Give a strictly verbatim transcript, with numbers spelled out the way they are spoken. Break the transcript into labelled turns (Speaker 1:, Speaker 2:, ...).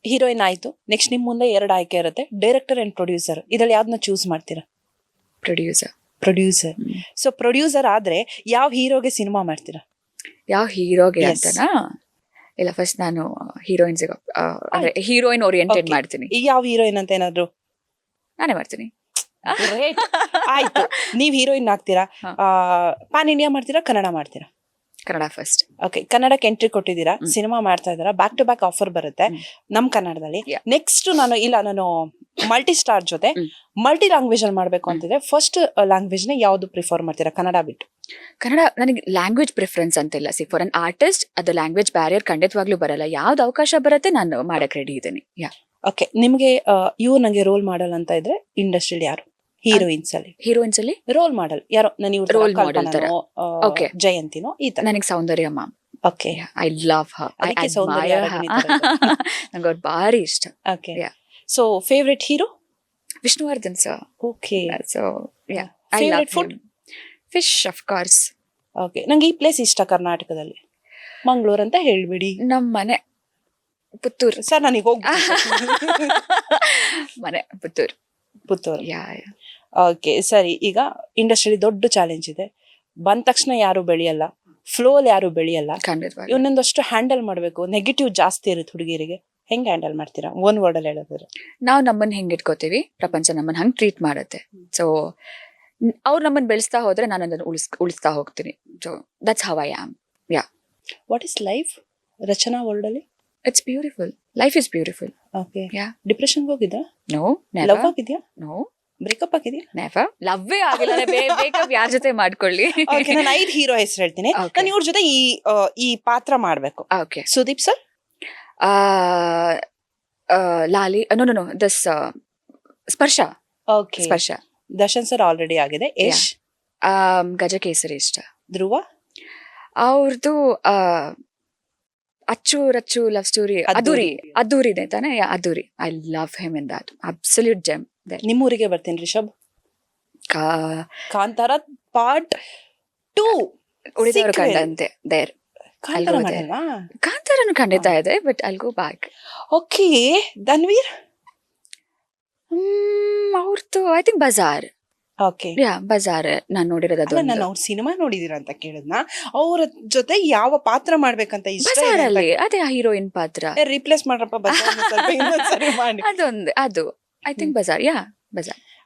Speaker 1: Heroine ಆಯ್ತು, next ನಿಮ್ ಮುಂದೆ ಎರಡು ಆಯ್ಕೆ ಇರುತ್ತೆ, ಡೈರೆಕ್ಟರ್ ಅಂಡ್ ಪ್ರೊಡ್ಯೂಸರ್. ಇದ್ರಲ್ಲಿ ಯಾವ್ದನ್ನ ಚೂಸ್ ಮಾಡ್ತೀರಾ?
Speaker 2: ಪ್ರೊಡ್ಯೂಸರ್.
Speaker 1: ಪ್ರೊಡ್ಯೂಸರ್. ಸೊ ಪ್ರೊಡ್ಯೂಸರ್ ಆದ್ರೆ ಯಾವ ಹೀರೋಗೆ ಸಿನಿಮಾ ಮಾಡ್ತೀರಾ?
Speaker 2: ಯಾವ ಹೀರೋಗೆ
Speaker 1: Yes.
Speaker 2: ಅಂತನಾ? ಇಲ್ಲ, ಫಸ್ಟ್ ನಾನು ಹೀರೋಯಿನ್ಸ್ ಅಂದ್ರೆ ಹೀರೋಯಿನ್ ಓರಿಯೆಂಟೆಡ್
Speaker 1: Okay.
Speaker 2: ಮಾಡ್ತೀನಿ.
Speaker 1: ಈಗ ಯಾವ ಹೀರೋಯಿನ್ ಅಂತ ಏನಾದ್ರು?
Speaker 2: ನಾನೇ ಮಾಡ್ತೀನಿ.
Speaker 1: Great. ಆಯ್ತು, ನೀವ್ ಹೀರೋಯಿನ್ ಆಗ್ತೀರಾ,
Speaker 2: ಹಾ.
Speaker 1: ಪಾನ್ ಇಂಡಿಯಾ ಮಾಡ್ತೀರಾ, ಕನ್ನಡ ಮಾಡ್ತೀರಾ?
Speaker 2: ಕನ್ನಡ ಫಸ್ಟ್.
Speaker 1: ಓಕೆ, ಕನ್ನಡಕ್ಕೆ ಎಂಟ್ರಿ ಕೊಟ್ಟಿದ್ದೀರಾ,
Speaker 2: ಹ್ಮ್.
Speaker 1: ಸಿನಿಮಾ ಮಾಡ್ತಾ ಇದ್ದೀರಾ, ಬ್ಯಾಕ್ ಟು ಬ್ಯಾಕ್ ಆಫರ್ ಬರುತ್ತೆ
Speaker 2: ಹ್ಮ್.
Speaker 1: ನಮ್ ಕನ್ನಡದಲ್ಲಿ.
Speaker 2: Yeah.
Speaker 1: ನೆಕ್ಸ್ಟ್ ನಾನು ಇಲ್ಲ ನಾನು ಮಲ್ಟಿ ಸ್ಟಾರ್ ಜೊತೆ
Speaker 2: ಹ್ಮ್.
Speaker 1: ಮಲ್ಟಿ ಲ್ಯಾಂಗ್ವೇಜ್ ಅಲ್ಲಿ ಮಾಡ್ಬೇಕು ಅಂತಿದ್ರೆ, ಫಸ್ಟ್ ಲ್ಯಾಂಗ್ವೇಜ್ ನ ಯಾವ್ದು ಪ್ರಿಫರ್ ಮಾಡ್ತೀರಾ ಕನ್ನಡ ಬಿಟ್ಟು?
Speaker 2: ಕನ್ನಡ ನನಗೆ ಲ್ಯಾಂಗ್ವೇಜ್ ಪ್ರಿಫರೆನ್ಸ್ ಅಂತಿಲ್ಲ. ಸಿ, ಫಾರ್ ಅನ್ ಆರ್ಟಿಸ್ಟ್ ಅದು ಲ್ಯಾಂಗ್ವೇಜ್ ಬ್ಯಾರಿಯರ್ ಖಂಡಿತವಾಗ್ಲೂ ಬರಲ್ಲ. ಯಾವ್ದು ಅವಕಾಶ ಬರುತ್ತೆ ನಾನು ಮಾಡಕ್ ರೆಡಿ ಇದ್ದೀನಿ. ಯಾ.
Speaker 1: ಓಕೆ, ನಿಮ್ಗೆ ಇವ್ರು ನಂಗೆ ರೋಲ್ ಮಾಡಲ್ ಅಂತ ಇದ್ರೆ ಇಂಡಸ್ಟ್ರಿಯಲ್ಲಿ ಯಾರು ಹೀರೋಯಿನ್ಸ್ ಅಲ್ಲಿ?
Speaker 2: ಹೀರೋಯಿನ್ಸ್ ಅಲ್ಲಿ
Speaker 1: ರೋಲ್ ಮಾಡಲ್ ಯಾರೋ? ನಾನು ಇವ್ರ
Speaker 2: Role model ತರ. Okay.
Speaker 1: ಜಯಂತಿನೋ ಈ ತರ?
Speaker 2: ನನಗೆ Soundarya ma'am.
Speaker 1: Okay,
Speaker 2: I love her. I
Speaker 1: ಅದಕ್ಕೆ ಸೌಂದರ್ಯ
Speaker 2: ಅಡ್ಮೈರ್
Speaker 1: ರಾಗಿಣಿ
Speaker 2: ಹರ್. ನಂಗೆ ಅವ್ರು ಭಾರಿ ಇಷ್ಟ.
Speaker 1: Okay.
Speaker 2: Yeah.
Speaker 1: So favourite hero?
Speaker 2: Vishnuvardhan sir.
Speaker 1: Okay.
Speaker 2: So yeah, I love
Speaker 1: favourite food?
Speaker 2: Fish of course.
Speaker 1: Okay, ನಂಗೆ ಈ ಪ್ಲೇಸ್ ಇಷ್ಟ ಕರ್ನಾಟಕದಲ್ಲಿ. ಮಂಗಳೂರು ಅಂತ ಹೇಳ್ಬಿಡಿ.
Speaker 2: ನಮ್ಮ ಮನೆ ಪುತ್ತೂರು.
Speaker 1: ಸರ್ ನನಗೆ ಹೋಗಿ
Speaker 2: ಮನೆ Puttur.
Speaker 1: Puttur.
Speaker 2: Yeah yeah.
Speaker 1: Okay ಸರಿ, ಈಗ ಇಂಡಸ್ಟ್ರಿಯಲ್ಲಿ ದೊಡ್ಡ ಚಾಲೆಂಜ್ ಇದೆ. ಬಂದ ತಕ್ಷಣ ಯಾರು ಬೆಳೆಯಲ್ಲ, ಫ್ಲೋಲ್ ಯಾರು ಬೆಳೆಯಲ್ಲ.
Speaker 2: ಖಂಡಿತವಾಗಿ.
Speaker 1: ಇವನೊಂದಷ್ಟು ಹ್ಯಾಂಡಲ್ ಮಾಡ್ಬೇಕು, ನೆಗೆಟಿವ್ ಜಾಸ್ತಿ ಇರುತ್ತೆ ಹುಡುಗಿರಿಗೆ, ಹೆಂಗ್ ಹ್ಯಾಂಡಲ್ ಮಾಡ್ತೀರಾ ಒನ್ ವರ್ಡ್ ಅಲ್ಲಿ ಹೇಳಿದ್ರೆ?
Speaker 2: ನಾವು ನಮ್ಮನ್ನ ಹೆಂಗ್ ಇಟ್ಕೋತೀವಿ, ಪ್ರಪಂಚ ನಮ್ಮನ್ನ ಹಂಗ್ ಟ್ರೀಟ್ ಮಾಡುತ್ತೆ. ಸೊ ಅವ್ರು ನಮ್ಮನ್ನ ಬೆಳೆಸ್ತಾ ಹೋದ್ರೆ ನಾನು ಅದನ್ನ ಉಳಿಸ್ ಉಳಿಸ್ತಾ ಹೋಗ್ತೀನಿ. So that's how I am. Yeah.
Speaker 1: What is life Rachana world ಅಲ್ಲಿ?
Speaker 2: It's beautiful. Life is beautiful.
Speaker 1: Okay.
Speaker 2: Yeah.
Speaker 1: Depression ಹೋಗಿದ್ರಾ?
Speaker 2: No,
Speaker 1: love
Speaker 2: never.
Speaker 1: ಆಗಿದ್ಯಾ?
Speaker 2: ನೋ,
Speaker 1: ಬ್ರೇಕಪ್ ಆಗಿದ್ಯಾ?
Speaker 2: ನೆವರ್. ಲವ್ವೇ ಆಗಿಲ್ಲ. ಬೇಕಪ್ ಯಾರ ಜೊತೆ ಮಾಡ್ಕೊಳ್ಳಿ.
Speaker 1: ಓಕೆ, ನಾನು ಐದು ಹೀರೋ ಹೆಸರು ಹೇಳ್ತೀನಿ.
Speaker 2: Okay.
Speaker 1: ನಾನು ಇವ್ರ ಜೊತೆ ಈ ಆ, ಈ ಪಾತ್ರ ಮಾಡ್ಬೇಕು.
Speaker 2: Okay.
Speaker 1: Sudeep sir,
Speaker 2: Laali, no no no this Sparsha.
Speaker 1: Okay.
Speaker 2: Sparsha.
Speaker 1: Darshan sir already ಆಗಿದೆ. ಯಶ್,
Speaker 2: ಆಮ್, ಗಜಕೇಸರಿ ಇಷ್ಟ.
Speaker 1: ಧ್ರುವ,
Speaker 2: ಅವ್ರದ್ದು ಅಚ್ಚು ರಚ್ಚು ಲವ್ ಸ್ಟೋರಿ ಅದ್ದೂರಿ. ಅದ್ದೂರಿ ಇದೆ ತಾನೆ? Yeah, Addhuri. I love him in that. Absolute gem.
Speaker 1: ನಿಮ್ಮೂರಿಗೆ ಬರ್ತೀನಿ. ರಿಷಬ್, ಕಾಂತಾರ ಪಾರ್ಟ್ ಟೂ
Speaker 2: ಉಳಿದವರು ಕಂಡಂತೆ ದೇರ್.
Speaker 1: ಕಾಂತಾರ
Speaker 2: ಅಲ್ವಾ?
Speaker 1: ಮಾಡಲ್ವಾ?
Speaker 2: ಕಾಂತಾರನು ಖಂಡಿತ ಇದೆ, but I'll go back.
Speaker 1: Okay. Dhanveer,
Speaker 2: ಅವ್ರದ್ದು I think Bazaar.
Speaker 1: Okay.
Speaker 2: Yeah, Bazaar ನಾನು ನೋಡಿರೋದು
Speaker 1: ಅಲ್ಲ, ನಾನು
Speaker 2: ಅದೊಂದು.
Speaker 1: ಅವ್ರ ಸಿನಿಮಾ ನೋಡಿದೀರ ಅಂತ ಕೇಳಿದ್ನ. ಅವ್ರ ಜೊತೆ ಯಾವ ಪಾತ್ರ ಮಾಡ್ಬೇಕಂತ ಇಷ್ಟ
Speaker 2: ಬಜಾರ್ ಅಲ್ಲಿ ಅದೇ ಹೀರೋಯಿನ್ ಪಾತ್ರ.
Speaker 1: ರಿಪ್ಲೇಸ್ ಮಾಡ್ರಪ್ಪ ಬಜಾರ್ನ ಸ್ವಲ್ಪ ಇನ್ನೊಂದ್ ಸರಿ ಮಾಡಿ.
Speaker 2: ಅದೊಂದು ಅದು I think Bazaar. Yeah, Bazaar.